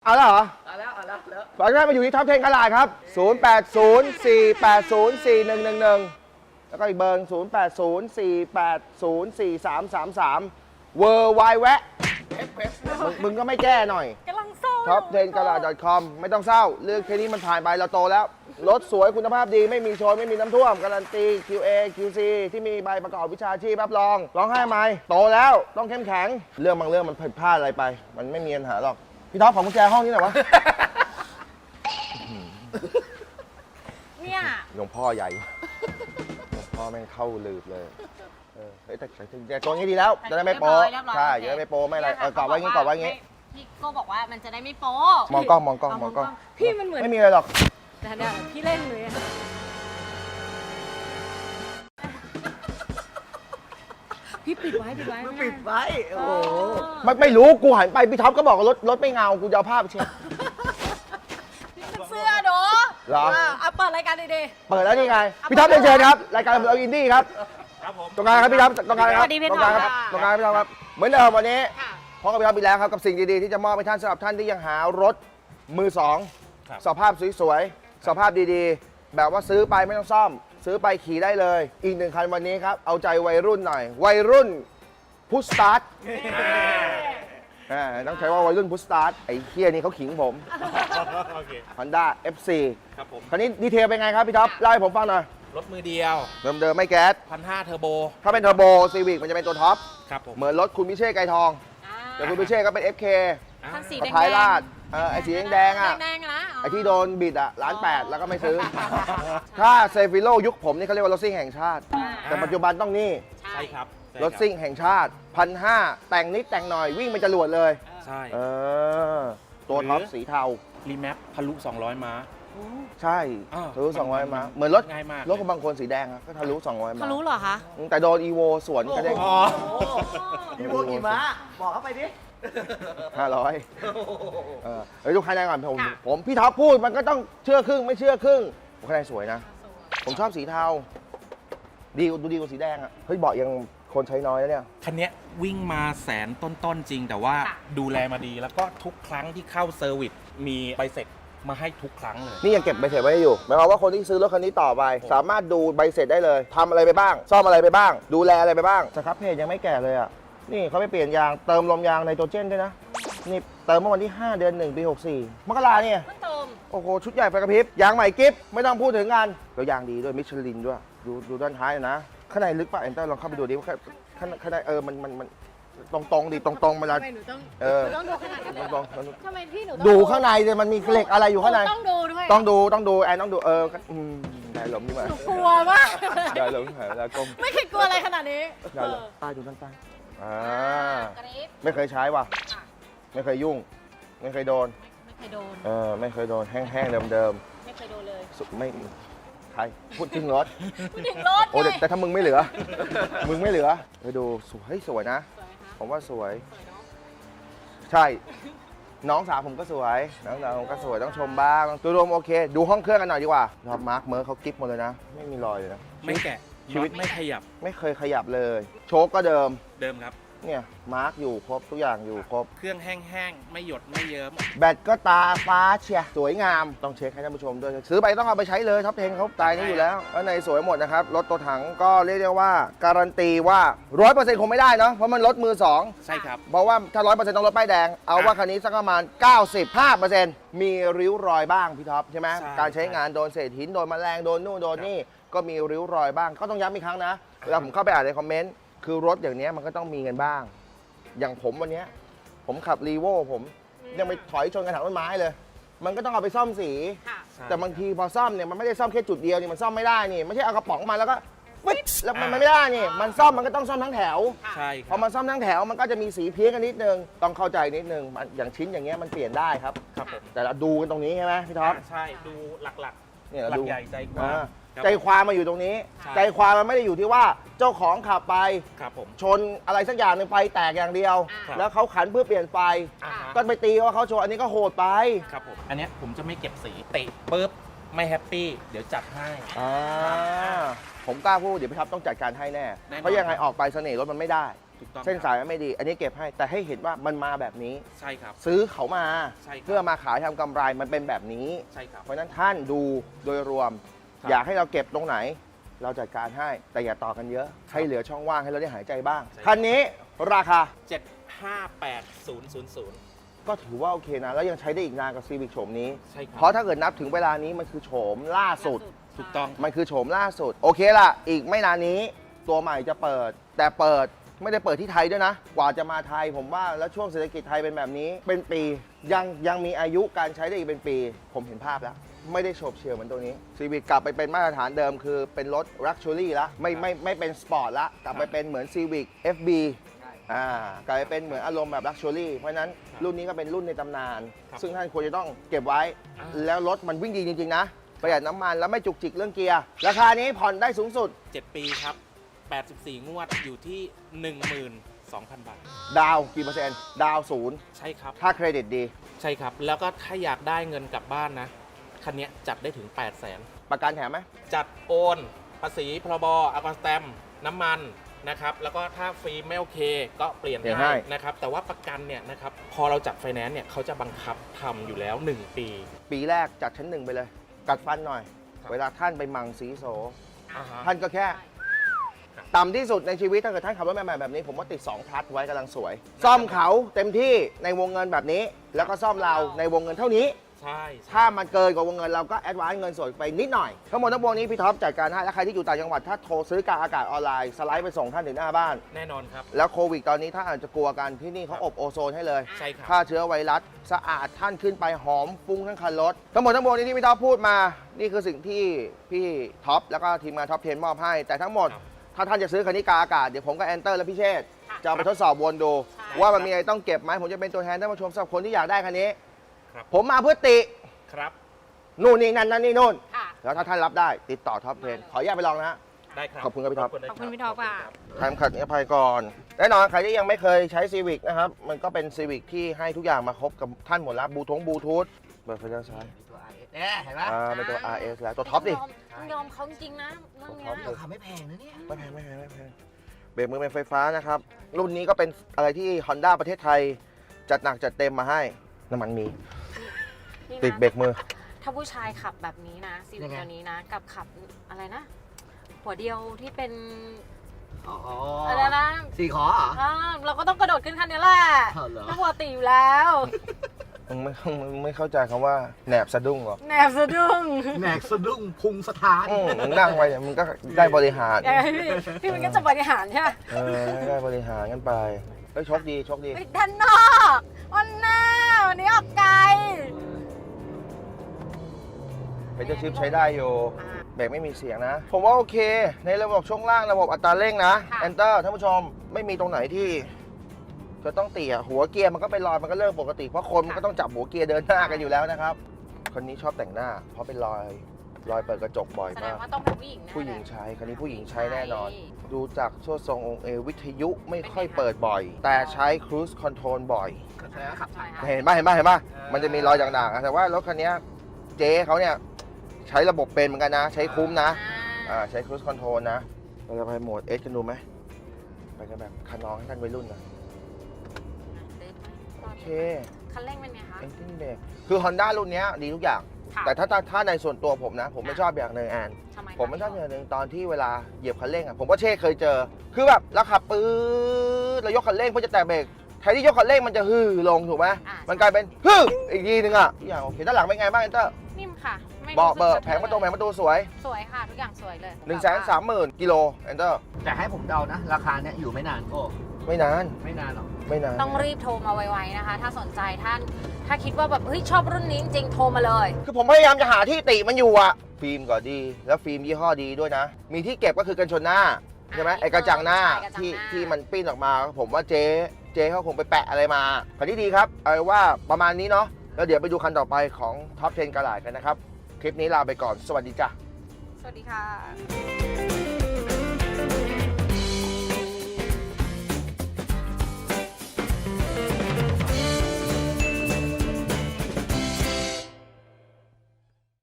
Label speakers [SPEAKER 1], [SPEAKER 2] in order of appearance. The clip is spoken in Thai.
[SPEAKER 1] เอาแล้วเหรอ
[SPEAKER 2] เอาแล้ว
[SPEAKER 1] ฝากได้มาอยู่ที่ท็อป10กระดาษครับ0804804111แล้วก็อีกเบอร์0804804333เวอร์ไวแวะมึงก็ไม่แก้หน่อย
[SPEAKER 3] กำลังเศร้า
[SPEAKER 1] top10gala.com ไม่ต้องเศร้าเรื่องแค่นี้มันผ่านไปเราโตแล้วรถสวยคุณภาพดีไม่มีโชยไม่มีน้ำท่วมการันตี QA QC ที่มีใบประกอบวิชาชีพรับรองร้องไห้ไหมโตแล้วต้องเข้มแข็งเรื่องบางเรื่องมันผิดพลาดอะไรไปมันไม่มีปัญหาหรอกพี่ท็อปของกุญแจห้องนี้หน่อยวะ
[SPEAKER 3] เนี่ย
[SPEAKER 1] หลวงพ่อใหญ่หลวงพ่อแม่งเข้าลืบเลยเฮ้ยแต่ตัวนี้ดีแล้วจะได้ไม่โป๊ใช่จะได้ไม่โป๊ไม่อะไรกรอบไว้งี้กรอบไว้งี้
[SPEAKER 3] พี่โก้บอกว่ามันจะได้ไม่โป๊
[SPEAKER 1] มองกล้องมองกล้องมองกล้อง
[SPEAKER 3] พี่มันเหมือน
[SPEAKER 1] ไม่มีอะไรหรอก
[SPEAKER 3] แต่เนี่ยพี่เล่นเลยอะ พี่ปิดไว้
[SPEAKER 2] มึงปิดไว้โอ้โห
[SPEAKER 1] ไม่รู้กูหันไปพี่ท็อปก็บอกว่ารถไม่เงากูจะเอาภาพไปเช็ค
[SPEAKER 3] เสื้อเนาะ
[SPEAKER 1] เหรอ
[SPEAKER 3] เอาเปิดรายการดี
[SPEAKER 1] เปิดแล้วนี่ไงพี่ท็อปเรียนเชิญครับรายการเราอินดี้ครับ
[SPEAKER 4] ครับผม
[SPEAKER 1] ตรงกลางครับพี่ท็อปตรงกลางครับ
[SPEAKER 3] สวัสดีพี่
[SPEAKER 1] ตรงกลางครับ
[SPEAKER 3] ท็อป
[SPEAKER 1] ตรงกลางพี่ท็อปครับเหมือนเดิมวันนี้
[SPEAKER 3] ๆค่ะ
[SPEAKER 1] พบกับพี่ท็อปอีกแล้วครับกับสิ่งดีๆที่จะมอบให้ท่านสำหรับท่านที่ยังหารถมือสอง
[SPEAKER 4] ครับ
[SPEAKER 1] สภาพสวยๆสภาพดีๆ แบบว่าซื้อไปไม่ต้องซ่อม ซื้อไปขี่ได้เลย อีกหนึ่งคันวันนี้ครับเอาใจวัยรุ่นหน่อยวัยรุ่นพุชสตาร์ทต้องใช้ว่าวัยรุ่นพุชสตาร์ทไอ้เคียนี่เขาขิงผม
[SPEAKER 4] โอเค
[SPEAKER 1] Honda FC
[SPEAKER 4] ครับผม
[SPEAKER 1] คันนี้ดีเทลเป็นไงครับพี่ท็อปเล่าให้ผมฟังหน่อย
[SPEAKER 4] รถมือเดียว
[SPEAKER 1] เดิมๆไม่แก๊ส
[SPEAKER 4] 1,500 เทอร์โบ
[SPEAKER 1] ถ้าเป็นเทอร์โบซีวิกมันจะเป็นตัวท็อป
[SPEAKER 4] ครับผม
[SPEAKER 1] เหมือนรถคุณพิเชษไกรทอง แต่คุณพิเชษก็เป็น FK
[SPEAKER 3] คันสี
[SPEAKER 1] กับ
[SPEAKER 3] แดง
[SPEAKER 1] ท้ายลาดไอ้สีแดงๆอ่ะ
[SPEAKER 3] แดงๆนะ
[SPEAKER 1] ไอ้ที่โดนบิดอ่ะ1,800,000แล้วก็ไม่ซื้อ ถ้าเซฟิโลยุคผมนี่เขาเรียกว่ารถซิ่งแห่งชาติ แต่ปัจจุบันต้องนี่
[SPEAKER 3] ใช่
[SPEAKER 4] ใช่ครับใช่คบ
[SPEAKER 1] รถซิ่งแห่งชาติ1,500แต่งนิดแต่งหน่อยวิ่งเป็นจรวดเลย
[SPEAKER 4] ใช่
[SPEAKER 1] ตัวท็อปสีเทา
[SPEAKER 4] รีแมปทะลุ 200 ม้า
[SPEAKER 1] ใช่
[SPEAKER 4] อ่า
[SPEAKER 1] ทะลุ200ม้าเหมือนรถ
[SPEAKER 4] ง่ายมาก
[SPEAKER 1] รถของบางคนสีแดงอะก็ทะลุ200ม้า
[SPEAKER 3] เขารู้เหรอคะ
[SPEAKER 1] แต่โดนอีโวสวนกระเด้ง
[SPEAKER 4] อ๋อ
[SPEAKER 2] พี่พวกกี่ม้าบอกเข้าไปดิ
[SPEAKER 1] 500เฮ้ยดูคะแนนก่อนผมพี่ท็อปพูดมันก็ต้องเชื่อครึ่งไม่เชื่อครึ่งคะแนนสวยนะ ผมชอบสีเทาดูดีกว่าสีแดงอ่ะเฮ้ยเบาะยังคนใช้น้อยแล้วเนี่ย
[SPEAKER 4] คันเนี้ยวิ่งมาแสนต้นๆจริง แต่ว่าดูแลมาดีแล้วก็ทุกครั้งที่เข้าเซอร์วิสมีใบเสร็จมาให้ทุกครั้งเลย
[SPEAKER 1] นี่ยังเก็บใบเสร็จไว้อยู่หมายความว่าคนที่ซื้อรถคันนี้ต่อไป สามารถดูใบเสร็จได้เลยทำอะไรไปบ้าง ซ่อมอะไรไปบ้าง ดูแลอะไรไปบ้างสครับเพจยังไม่แก่เลยอ่ะนี่เขาไปเปลี่ยนยางเติมลมยางไนโตรเจนด้วยนะนี่เติมเมื่อวันที่ 5 เดือน 1 ปี 64 มกราเนี่ย
[SPEAKER 3] เพิ่งเติม
[SPEAKER 1] โอ้โหชุดใหญ่ไฟกระพริบยางใหม่กิฟไม่ต้องพูดถึงกันแล้วยางดีด้วยมิชลินด้วยดูด้านท้ายนะข้างในลึกป่ะเอ็นเตอร์ลองเข้าไปดูดิว่าข้างในมันตรงดิตรงมาแล้ว
[SPEAKER 3] ทำไมหนูต้อง
[SPEAKER 1] หนูต้องดูขนาดนั้นตรง
[SPEAKER 3] ทำไมพี่หนูต้อง
[SPEAKER 1] ดูข้างในเลยมันมีเหล็กอะไรอยู่ข้างใน
[SPEAKER 3] ต้องดูด้วย
[SPEAKER 1] ต้องดูแอนต้องดูได้หลมดีกว่า
[SPEAKER 3] หนูกลัวมาก
[SPEAKER 1] ได้หลมหายแล้วก้ม
[SPEAKER 3] ไม่เคยกลัวอะไรขนาดนี้
[SPEAKER 1] ได้หลมใต้ดูด้านใต้
[SPEAKER 3] กรี๊ด
[SPEAKER 1] ไม่เคยใช้ว่ะ
[SPEAKER 3] ค่ะ
[SPEAKER 1] ไม่เคยยุ่ง ไม่เคยโดน
[SPEAKER 3] ไม่เคยโดน
[SPEAKER 1] ไม่เคยโดนแห้งๆเดิม
[SPEAKER 3] ไม่เคยโดนเลย
[SPEAKER 1] ๆไม่ใครพูดถึงรถ
[SPEAKER 3] พูดถึงรถ
[SPEAKER 1] โอ้
[SPEAKER 3] ไง
[SPEAKER 1] แต่ถ้ามึงไม่เหลือ มึงไม่เหลือไปดูสวยนะ
[SPEAKER 3] สวยไหมคะ
[SPEAKER 1] ผมว่าสวย
[SPEAKER 3] สวยเนาะ
[SPEAKER 1] ใช่ น้องสาวผมก็สวย น้องสาวผมก็สวยต้องชมบ้างตัวรวมโอเค ดูห้องเครื่องกันหน่อยดีกว่าครับมาร์คเมอร์เขากิ๊บหมดเลยนะ ไม่มีรอยเลยนะ
[SPEAKER 4] ไม่แกะ
[SPEAKER 1] ชีวิต
[SPEAKER 4] น็อตไม่ขยับ
[SPEAKER 1] ไม่เคยขยับเลย โชคก็เดิม
[SPEAKER 4] เดิมครับ
[SPEAKER 1] เนี่ยมาร์คอยู่ครบทุกอย่างอยู่ครบ
[SPEAKER 4] เครื่องแห้งๆ ไม่หยดไม่เยิ้ม
[SPEAKER 1] แบตก็ตาฟ้าเชียสวยงามต้องเช็คให้ท่านผู้ชมด้วยซื้อไปต้องเอาไปใช้เลยท็อป10เขาตายนี้อยู่แล้วข้างในสวยหมดนะครับรถตัวถังก็เรียกได้ว่าการันตีว่า 100% คงไม่ได้เนาะเพราะมันรถมือสอง
[SPEAKER 4] ใช่ครับ
[SPEAKER 1] เพราะว่าถ้า 100% ต้องรถป้ายแดง เอาว่าคันนี้สักประมาณ 95% มีริ้วรอยบ้างพี่ท็อปใช่ไหม
[SPEAKER 4] ใช่
[SPEAKER 1] การใช้งานโดนเศษหินโดนแมลงโดนนู่นโดนนี่ก็มีริ้วรอยบ้างก็ต้องย้ำอีกครั้งนะเวลาผมเข้าไปอ่านในคอมเมนต์คือรถอย่างนี้มันก็ต้องมีกันบ้าง อย่างผมวันเนี้ยผมขับรีโวผมยังไปถอยชนกระถางต้นไม้เลย มันก็ต้องเอาไปซ่อมสี
[SPEAKER 3] ค่ะ
[SPEAKER 4] ใช่
[SPEAKER 1] แต่บางทีพอซ่อมเนี่ยมันไม่ได้ซ่อมแค่จุดเดียวนี่มันซ่อมไม่ได้นี่ไม่ใช่เอากระป๋องมาแล้วก็ปึ๊ดแล้วมันไม่ได้นี่มันซ่อมมันก็ต้องซ่อมทั้งแถว
[SPEAKER 4] ใช่ค
[SPEAKER 1] พ
[SPEAKER 4] รั
[SPEAKER 1] อบ มันซ่อมทั้งแถวมันก็จะมีสีเพี้ยนกันนิดนึงต้องเข้าใจนิดนึงมันอย่างชิ้นอย่างเงี้ยมันเปลี่ยนได้ครับ
[SPEAKER 4] ครับผม
[SPEAKER 1] แต่เราดูกันตรงนี้ใช่ไหมพี่ท็อป
[SPEAKER 4] ใช่ดูหลัก
[SPEAKER 1] เนี่ย
[SPEAKER 4] ๆ
[SPEAKER 1] เรา
[SPEAKER 4] หลั
[SPEAKER 1] ดู
[SPEAKER 4] กใหญ่ใจกว้าง
[SPEAKER 1] อ่า
[SPEAKER 4] ครับ
[SPEAKER 1] ใจความมาอยู่ตรงนี้
[SPEAKER 4] ใช่
[SPEAKER 1] ใจความมันไม่ได้อยู่ที่ว่าเจ้าของขับไป
[SPEAKER 4] ครับผม
[SPEAKER 1] ชนอะไรสักอย่างหนึ่งไฟแตกอย่างเดียว
[SPEAKER 4] ครับ
[SPEAKER 1] แล้วเขาขันเพื่อเปลี่ยนไฟ
[SPEAKER 4] อ่าฮะ
[SPEAKER 1] ก็ไปตีว่าเขาชนอันนี้ก็โหดไป
[SPEAKER 4] ครับผม อันเนี้ยผมจะไม่เก็บสีติปุ๊บไม่แฮปปี้เดี๋ยวจัดให้
[SPEAKER 1] ผมกล้าพูดเดี๋ยวพี่ท็อปต้องจัดการให้แน่
[SPEAKER 4] แน่นอน
[SPEAKER 1] เพราะยังไงออกไปเสน่ห์รถมันไม่ได้
[SPEAKER 4] ถูกต้อง
[SPEAKER 1] เส้นสายมันไม่ดี อันนี้เก็บให้แต่ให้เห็นว่ามันมาแบบนี้
[SPEAKER 4] ใช่ครับ
[SPEAKER 1] ซื้อเขามา
[SPEAKER 4] ใช่ครับ
[SPEAKER 1] เพื่อมาขายทำกำไรมันเป็นแบบนี้
[SPEAKER 4] ใช่ครับ
[SPEAKER 1] เพราะฉะนั้นท่านดูโดยรวม
[SPEAKER 4] ครับ
[SPEAKER 1] อยากให้เราเก็บตรงไหน เราจัดการให้แต่อย่าต่อกันเยอะ ให้เหลือช่องว่างให้เราได้หายใจบ้าง
[SPEAKER 4] ใช่
[SPEAKER 1] คันนี้ราคา
[SPEAKER 4] 758000
[SPEAKER 1] ก็ถือว่าโอเคนะ แล้วยังใช้ได้อีกนานกับซีวิ c โฉมนี้
[SPEAKER 4] ใช่ครับ
[SPEAKER 1] เพราะถ้าเกิดนับถึงเวลานี้มันคือโฉมล่าสุด
[SPEAKER 4] ถูกต้อง
[SPEAKER 1] มันคือโฉมล่าสุด โอเคล่ะ อีกไม่นานนี้ตัวใหม่จะเปิด แต่เปิดไม่ได้เปิดที่ไทยด้วยนะ กว่าจะมาไทยผมว่าแล้วช่วงเศรษฐกิจไทยเป็นแบบนี้ เป็นปียังมีอายุการใช้ได้อีกเป็นปี ผมเห็นภาพแล้ว ไม่ได้โฉบเฉี่ยวเหมือนตัวนี้ซีวิ c กลับไปเป็นมาตรฐานเดิมคือเป็นรถ Luxury ละไม่เป็นสปอร์ตละกลับไปเป็นเหมือน Civic FB กลายเป็นเหมือนอารมณ์แบบ Luxury เพราะฉะนั้นรุ่นนี้ก็เป็นรุ่นในตำนาน
[SPEAKER 4] ครับ
[SPEAKER 1] ซึ่งท่านควรจะต้องเก็บไว้ แล้วรถมันวิ่งดีจริง ๆ นะ ประหยัดน้ำมันแล้วไม่จุกจิกเรื่องเกียร์ ราคานี้ผ่อนได้สูงสุด
[SPEAKER 4] 7 ปีครับ 84 งวดอยู่ที่ 12,000 บาท
[SPEAKER 1] ดาวกี่เปอร์เซ็นต์ ดาวศูนย์
[SPEAKER 4] ใช่ครับ
[SPEAKER 1] ถ้าเครดิตดี
[SPEAKER 4] ใช่ครับ แล้วก็ถ้าอยากได้เงินกลับบ้านนะ คันเนี้ยจัดได้ถึง 800,000
[SPEAKER 1] ประกันแถมไหม
[SPEAKER 4] จัดโอน ภาษีพรบอากรสแตมน้ำมันนะครับ แล้วก็ถ้าฟรีไม่โอเค ก็เปลี่ยน
[SPEAKER 1] เปลี่ยนให้
[SPEAKER 4] ให้นะครับ แต่ว่าประกันเนี่ยนะครับ พอเราจัดไฟแนนซ์เนี่ยเขาจะบังคับทำอยู่แล้ว 1 ปี
[SPEAKER 1] ปีแรกจัดชั้นหนึ่งไปเลย กัดฟันหน่อย
[SPEAKER 4] ครับ
[SPEAKER 1] เวลาท่านไปมังสีโส
[SPEAKER 4] อ่าฮะ
[SPEAKER 1] ท่านก็แค่ต่ำที่สุดในชีวิตถ้าเกิดท่านขับรถใหม่ๆแบบนี้ ผมว่าติด2พลัสไว้กำลังสวย ซ่อมเขาเต็มที่ในวงเงินแบบนี้ แล้วก็ซ่อมเราในวงเงินเท่านี้
[SPEAKER 4] ใช่
[SPEAKER 1] ถ้ามันเกินกว่าวงเงินเราก็แอดวานซ์เงินสดไปนิดหน่อย ทั้งหมดทั้งปวงนี้พี่ท็อปจัดการให้ และใครที่อยู่ต่างจังหวัดถ้าโทรซื้อกลางอากาศออนไลน์สไลด์ไปส่งท่านถึงหน้าบ้าน
[SPEAKER 4] แน่นอนครับ
[SPEAKER 1] แล้วโควิดตอนนี้ถ้าอาจจะกลัวกันที่นี่เขาอบโอโซนให้เลย
[SPEAKER 4] ใช่ครับ
[SPEAKER 1] ฆ่าเชื้อไวรัสสะอาดท่านขึ้นไปหอมฟุ้งทั้งคันรถ ทั้งหมดทั้งปวงนี้ที่พี่ท็อปพูดมา นี่คือสิ่งที่พี่ท็อปแล้วก็ทีมงานท็อป10มอบให้ แต่ทั้งหมด
[SPEAKER 4] ครับ
[SPEAKER 1] ถ้าท่านจะซื้อคันนี้กลางอากาศเดี๋ยวผมกับแอนเตอร์และพี่เชษฐ์จะเอาไปทดสอบวนดู
[SPEAKER 3] ใช่
[SPEAKER 1] ว่ามันมีอะไรต้องเก็บไหมผมจะเป็นตัวแทนท่านผู้ชมสำหรับคนที่อยากได้คันนี้
[SPEAKER 4] ครับ
[SPEAKER 1] ผมมาเพื่อติ
[SPEAKER 4] ครับ
[SPEAKER 1] นู่นนี่นั่นนั่นนี่นู่น
[SPEAKER 3] ค่ะ
[SPEAKER 1] แล้วถ้าท่านรับได้ติดต่อท็อป10ขออนุญาตไปลองนะฮะ
[SPEAKER 4] ได้ครับ
[SPEAKER 1] ขอบคุณครับพี่ท็อป
[SPEAKER 3] ขอบคุณพี่ท็อปค่ะ
[SPEAKER 1] ทำขัดนิรภัยก่อน แน่นอนใครที่ยังไม่เคยใช้ Civic นะครับ มันก็เป็น Civic ที่ให้ทุกอย่างมาครบกับท่านหมดแล้วบลูทูธเปิดไฟด้านซ้าย
[SPEAKER 2] ตัว RS เนี่ยเห็นไหม
[SPEAKER 1] เป็นตัว RS แล้วตัวท็อปดิ
[SPEAKER 3] ต้องยอมเขาจริงๆนะเรื่องเนี้ย
[SPEAKER 1] ท็อป
[SPEAKER 2] ราคาไม่แพงนะเนี่ย
[SPEAKER 1] ไม่แพงเบรกมือเป็นไฟฟ้านะครับ รุ่นนี้ก็เป็นอะไรที่ Honda ประเทศไทย จัดหนักจัดเต็มมาให้ น้ำมันมี
[SPEAKER 3] นี่นะ
[SPEAKER 1] ติดเบรกมือ
[SPEAKER 3] ถ้าผู้ชายขับแบบนี้นะซีวิคตัวนี้นะ กับขับอะไรนะ หัวเดียวที่เป็น
[SPEAKER 2] อ๋อ
[SPEAKER 3] อะไรนะ
[SPEAKER 2] สี่ขอเหรอ
[SPEAKER 3] อ่าเราก็ต้องกระโดดขึ้นคันนี้แหละ
[SPEAKER 2] อ๋อเหรอ
[SPEAKER 3] ถ้าปกติอยู่แล้ว
[SPEAKER 1] มึงไม่เข้าใจคำว่าแหนบสะดุ้งหรอก
[SPEAKER 3] แหนบสะดุ้ง
[SPEAKER 2] แหนกสะดุ้งพุงสถาน
[SPEAKER 1] มึงนั่งไปเนี่ยมึงก็ได้บริหาร
[SPEAKER 3] ไงพี่มันก็จะบริหารใช่ไหม
[SPEAKER 1] ได้บริหารกันไปเฮ้ยโชคดี
[SPEAKER 3] ไปด้านนอกวันหน้าวันนี้ออกไกล
[SPEAKER 1] เป็นเจ้าชิปใช้ได้อยู่
[SPEAKER 3] อ่า
[SPEAKER 1] เบรกไม่มีเสียงนะ ผมว่าโอเค ในระบบช่วงล่างระบบอัตราเร่งนะ
[SPEAKER 3] ค่ะ
[SPEAKER 1] Enter ท่านผู้ชมไม่มีตรงไหนที่จะต้องเตี่ยหัวเกียร์มันก็เป็นรอยมันก็เริ่มปกติ เพราะคนมันก็ต้องจับหัวเกียร์เดินหน้ากันอยู่แล้วนะครับ คนนี้ชอบแต่งหน้า เพราะเป็นรอยเปิดกระจกบ่อย
[SPEAKER 3] แสด
[SPEAKER 1] มาง ก
[SPEAKER 3] ว่าต้องเป็นผู้หญิงนะ
[SPEAKER 1] ผู้หญิงใช้คันนี้ผู้หญิงใช้แน่นอน
[SPEAKER 3] ใช่
[SPEAKER 1] ดูจากช่วงทรงองค์วิทยุไม่ค่อยเปิดบ่อย แต่ใช้ Cruise Control บ่อย
[SPEAKER 2] แสดงว่าขับ
[SPEAKER 3] ใช่ค่ะ
[SPEAKER 1] เห็นป่ะมันจะมีรอยด่างๆอะแต่ว่ารถคันนี้เจ๊เขาเนี่ยใช้ระบบเป็นเหมือนกันนะ ใช้คุ้มนะ ใช้ Cruise Control นะ เราจะไปโหมด S กันดูไหม ไปกันแบบคันน้องให้ท่านวัยรุ่นนะโอเค
[SPEAKER 3] คันเร่งเป็นไงคะ
[SPEAKER 1] Engine Brake คือ Honda รุ่นเนี้ยดีทุกอย่าง
[SPEAKER 3] ค่ะ
[SPEAKER 1] แต่ถ้าในส่วนตัวผมนะ ผมไม่ชอบอย่างหนึ่งแอน
[SPEAKER 3] ทำไมคะ
[SPEAKER 1] ผมไม่ชอบอย่างหนึ่งตอนที่เวลาเหยียบคันเร่งอ่ะ ผมก็เช่เคยเจอ คือแบบเราขับปื๊ดเรายกคันเร่งเพื่อจะแตะเบรกแทนที่ยกคันเร่งมันจะฮือลงถูกไหม
[SPEAKER 3] อ่า
[SPEAKER 1] มันกลายเป็นฮืออีกทีนึงอ่ะทุกอย่างโอเคด้านหลังเป็นไงบ้างเอนเตอร์
[SPEAKER 3] นิ่มค่ะไม่
[SPEAKER 1] เบาะเบอร์
[SPEAKER 3] สึก
[SPEAKER 1] แผงประตูสวย
[SPEAKER 3] สวยค่ะ ทุกอย่างสวยเลย
[SPEAKER 1] 130,000 กิโลเอนเตอร์
[SPEAKER 2] แต่ให้ผมเดานะ ราคาเนี้ยอยู่ไม่นานโก้
[SPEAKER 1] ไม่นาน
[SPEAKER 2] ไม่นานหรอก
[SPEAKER 1] ไม่นาน
[SPEAKER 3] ต้องรีบโทรมาไวๆนะคะ ถ้าสนใจท่าน ถ้าคิดว่าแบบเฮ้ยชอบรุ่นนี้จริงๆโทรมาเลย
[SPEAKER 1] คือผมพยายามจะหาที่ติมันอยู่อะฟิล์มก็ดี แล้วฟิล์มยี่ห้อดีด้วยนะ มีที่เก็บก็คือกันชนหน้า ใช่ไหมไอ้กระจังหน้า
[SPEAKER 3] ใช่กระจังหน้า
[SPEAKER 1] ที่มันปิ้นออกมา ผมว่าเจ๊เขาคงไปแปะอะไรมาคันที่ดีครับเอาว่าประมาณนี้เนาะแล้วเดี๋ยวไปดูคันต่อไปของท็อป 10 กระหลาดกันนะครับ คลิปนี้ลาไปก่อนสวัสดีจ้ะ
[SPEAKER 3] สวัสดีค่ะ